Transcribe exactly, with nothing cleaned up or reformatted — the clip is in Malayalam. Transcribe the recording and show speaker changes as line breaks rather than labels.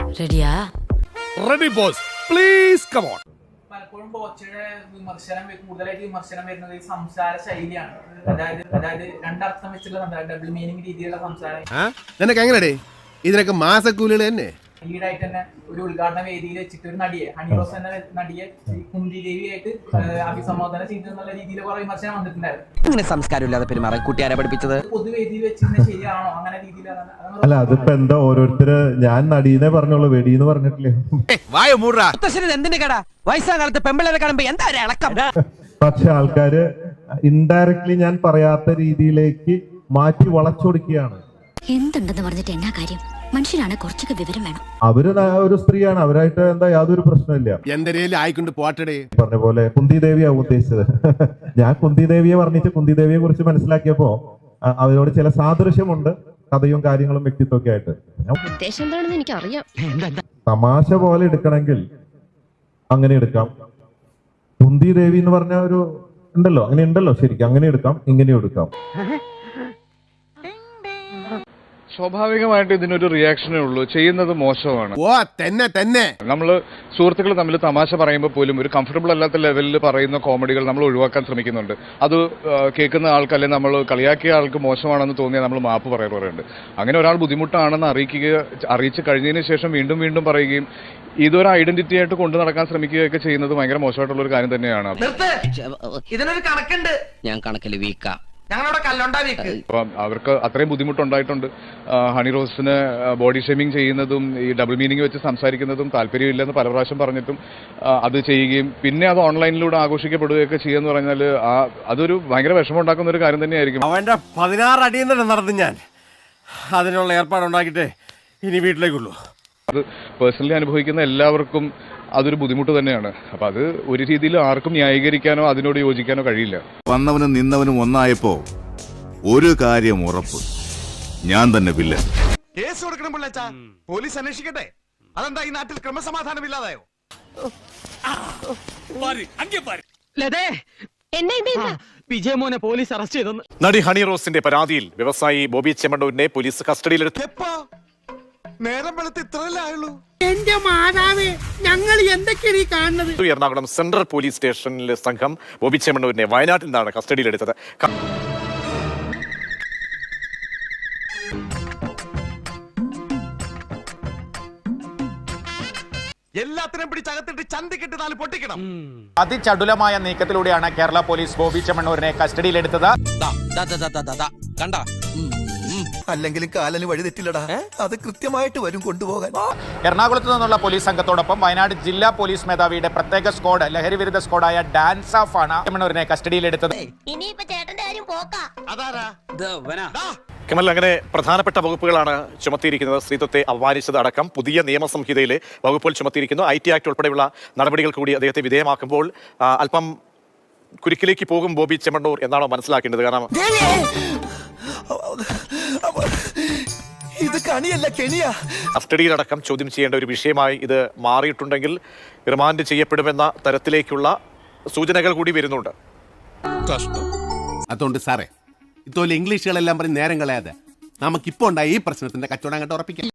റെഡിയാ?
Ready boss, please come on.
പലപ്പോഴും ബോച്ചയുടെ വിമർശനം കൂടുതലായിട്ട് വിമർശനം വരുന്നത് ഈ സംസാര ശൈലിയാണ്. അതായത് അതായത് രണ്ടർത്ഥം വെച്ചുള്ള ഡബിൾ മീനിങ് രീതിയിലുള്ള സംസാരം.
നിനക്ക് എങ്ങനെടേ ഇതിനൊക്കെ മാസക്കൂലികൾ തന്നെ?
ഈടായിട്ട് തന്നെ ഒരു ഉദ്ഘാടന വേദിയിൽ വെച്ചിട്ട് ഒരു നടിയെ ഹണി റോസ് എന്ന നടിയെ കുന്തി ദേവിയായിട്ട് അഭിസംബോധന ചെയ്തെന്നുള്ള രീതിയിൽ കുറെ വിമർശനം വന്നിട്ടുണ്ടായിരുന്നു.
അങ്ങനെ സംസ്കാരമില്ലാതെ പെരുമാറാൻ കുട്ടിയാരെ പഠിപ്പിച്ചത്?
പൊതുവേദിയിൽ വെച്ചിരുന്ന ശരിയാണോ? അങ്ങനെ രീതിയിലാണ്.
അല്ല, അതിപ്പോ എന്താ ഓരോരുത്തര് ഞാൻ നടീനെ പറഞ്ഞോളൂ, വെടിന്ന് പറഞ്ഞിട്ടില്ലേ?
എന്തിന്റെ കട വയസ്സാം കാലത്ത് പെമ്പിളരെ കാണുമ്പോ എന്താ ഇളക്കം?
പക്ഷെ ആൾക്കാര് ഇൻഡയറക്ട്ലി ഞാൻ പറയാത്ത രീതിയിലേക്ക് മാറ്റി വളച്ചൊടുക്കുകയാണ്.
എന്തുണ്ടെന്ന് പറഞ്ഞിട്ട് എന്നാ കാര്യം? മനുഷ്യനാണ്, കുറച്ചൊക്കെ വിവരം വേണം.
അവര് ഒരു സ്ത്രീയാണ്, അവരായിട്ട് എന്താ യാതൊരു പ്രശ്നമില്ല.
എന്തരേലും ആയിക്കൊണ്ട് പോട്ടടേ.
പറഞ്ഞ പോലെ കുന്തി ദേവിയാവും ഉദ്ദേശിച്ചത്. ഞാൻ കുന്തി ദേവിയെ വർണ്ണിച്ച് കുന്തി ദേവിയെ കുറിച്ച് മനസ്സിലാക്കിയപ്പോ അവരോട് ചില സാദൃശ്യമുണ്ട്, കഥയും കാര്യങ്ങളും വ്യക്തിത്വമൊക്കെ ആയിട്ട്.
ഉദ്ദേശം എന്താണെന്ന് എനിക്കറിയാം.
തമാശ പോലെ എടുക്കണമെങ്കിൽ അങ്ങനെ എടുക്കാം. കുന്തി ദേവി എന്ന് പറഞ്ഞ ഒരു ഉണ്ടല്ലോ, അങ്ങനെ ഉണ്ടല്ലോ, ശരിക്കും അങ്ങനെ എടുക്കാം, ഇങ്ങനെ എടുക്കാം.
സ്വാഭാവികമായിട്ട് ഇതിനൊരു റിയാക്ഷനേ ഉള്ളൂ. ചെയ്യുന്നത് മോശമാണ്.
ഓ തന്നെ തന്നെ.
നമ്മള് സുഹൃത്തുക്കൾ തമ്മിൽ തമാശ പറയുമ്പോൾ പോലും ഒരു കംഫർട്ടബിൾ അല്ലാത്ത ലെവലിൽ പറയുന്ന കോമഡികൾ നമ്മൾ ഒഴിവാക്കാൻ ശ്രമിക്കുന്നുണ്ട്. അത് കേൾക്കുന്ന ആൾക്ക് അല്ലെങ്കിൽ നമ്മൾ കളിയാക്കിയ ആൾക്ക് മോശമാണെന്ന് തോന്നിയാൽ നമ്മൾ മാപ്പ് പറയാറുണ്ട്. അങ്ങനെ ഒരാൾ ബുദ്ധിമുട്ടാണെന്ന് അറിയിക്കുക അറിയിച്ച് കഴിഞ്ഞതിന് ശേഷം വീണ്ടും വീണ്ടും പറയുകയും ഇതൊരു ഐഡന്റിറ്റി ആയിട്ട് കൊണ്ടു നടക്കാൻ ശ്രമിക്കുകയൊക്കെ ചെയ്യുന്നത് ഭയങ്കര മോശമായിട്ടുള്ള ഒരു കാര്യം തന്നെയാണ്.
ഇതിനൊരു കണക്കുണ്ട്. ഞാൻ കണക്കിൽ വീക്കാ.
അപ്പം അവർക്ക് അത്രയും ബുദ്ധിമുട്ടുണ്ടായിട്ടുണ്ട്. ഹണി റോസിന് ബോഡി ഷേമിങ് ചെയ്യുന്നതും ഈ ഡബിൾ മീനിങ് വെച്ച് സംസാരിക്കുന്നതും താല്പര്യമില്ലെന്ന് പല പ്രാവശ്യം പറഞ്ഞിട്ടും അത് ചെയ്യുകയും പിന്നെ അത് ഓൺലൈനിലൂടെ ആഘോഷിക്കപ്പെടുകയൊക്കെ ചെയ്യുമെന്ന് പറഞ്ഞാൽ അതൊരു ഭയങ്കര വിഷമം ഉണ്ടാക്കുന്ന ഒരു കാര്യം തന്നെയായിരിക്കും.
അവന്റെ പതിനാറ് അടിയിൽ തന്നെ നടന്നു ഞാൻ. അതിനുള്ള ഏർപ്പാടുണ്ടാക്കിയിട്ടേ ഇനി വീട്ടിലേക്കുള്ളൂ.
അത് പേഴ്സണലി അനുഭവിക്കുന്ന എല്ലാവർക്കും അതൊരു ബുദ്ധിമുട്ട് തന്നെയാണ്. അപ്പൊ അത് ഒരു രീതിയിൽ ആർക്കും ന്യായീകരിക്കാനോ അതിനോട് യോജിക്കാനോ കഴിയില്ല.
വന്നവനും നിന്നവനും ഒന്നായപ്പോ ഒരു കാര്യം ഉറപ്പ്, ഞാൻ തന്നെ വില്ലൻ.
കേസ് കൊടുക്കണം പിള്ളേച്ചാ, പോലീസ് അന്വേഷിക്കട്ടെ. അതെന്താ ഈ നാട്ടിൽ ക്രമസമാധാനം ഇല്ലാതായോ?
വിജയമോനെ പോലീസ് അറസ്റ്റ് ചെയ്തു.
നടി ഹണി റോസിന്റെ പരാതിയിൽ വ്യവസായി ബോബി ചെമ്മണ്ണൂരിനെ പോലീസ് കസ്റ്റഡിയിലെടുത്തു.
നേരം വെളുത്ത് ഇത്രയല്ലേ ആയുള്ളൂ?
എന്റെ മാതാവേ, ഞങ്ങൾ എന്തൊക്കെയാണ് ഈ കാണുന്നത്?
എറണാകുളം സെൻട്രൽ പോലീസ് സ്റ്റേഷനിലെ സംഘം ബോബി ചെമ്മണ്ണൂരിനെ വയനാട്ടിൽ നിന്നാണ് കസ്റ്റഡിയിലെടുത്തത്.
എല്ലാത്തിനും പിടിച്ചകത്തിട്ട് ചന്തിക്കിട്ട് നാല് പൊട്ടിക്കണം.
അതിചടുലമായ നീക്കത്തിലൂടെയാണ് കേരള പോലീസ് ബോബി ചെമ്മണ്ണൂരിനെ കസ്റ്റഡിയിലെടുത്തത്.
കണ്ട
അല്ലെങ്കിലും കാലന് വഴി തെറ്റില്ലടാ, അത് കൃത്യമായിട്ട് വരും കൊണ്ടുപോകാൻ.
എറണാകുളത്ത് നിന്നുള്ള പോലീസ് സംഘത്തോടൊപ്പം വയനാട് ജില്ലാ പോലീസ് മേധാവിയുടെ പ്രത്യേക സ്ക്വാഡ്, ലഹരി വിരുദ്ധ സ്ക്വാഡായ ഡാൻസ് ഓഫ് ആണ് ചെമ്മണ്ണൂരിനെ കസ്റ്റഡിയിലെടുത്തത്.
കമൽ, അങ്ങനെ പ്രധാനപ്പെട്ട വകുപ്പുകളാണ് ചുമത്തിയിരിക്കുന്നത്. സ്ത്രീത്വത്തെ അപമാനിച്ചത് അടക്കം പുതിയ നിയമസംഹിതയിലെ വകുപ്പുകൾ ചുമത്തിയിരിക്കുന്നു. ഐ ടി ആക്ട് ഉൾപ്പെടെയുള്ള നടപടികൾ കൂടി അദ്ദേഹത്തെ വിധേയമാക്കുമ്പോൾ അല്പം കുരുക്കിലേക്ക് പോകും ബോബി ചെമ്മണ്ണൂർ എന്നാണോ മനസ്സിലാക്കേണ്ടത്? കാരണം
ഇത് കണിയല്ല, കെണിയാ.
കസ്റ്റഡിയിലടക്കം ചോദ്യം ചെയ്യേണ്ട ഒരു വിഷയമായി ഇത് മാറിയിട്ടുണ്ടെങ്കിൽ റിമാൻഡ് ചെയ്യപ്പെടുമെന്ന തരത്തിലേക്കുള്ള സൂചനകൾ കൂടി വരുന്നുണ്ട്.
അതുകൊണ്ട് സാറേ, ഇതുപോലെ ഇംഗ്ലീഷുകളെല്ലാം പറഞ്ഞ് നേരം കളയാതെ നമുക്കിപ്പോ ഉണ്ടായ ഈ പ്രശ്നത്തിന്റെ കച്ചവടം അങ്ങോട്ട് ഉറപ്പിക്കാം.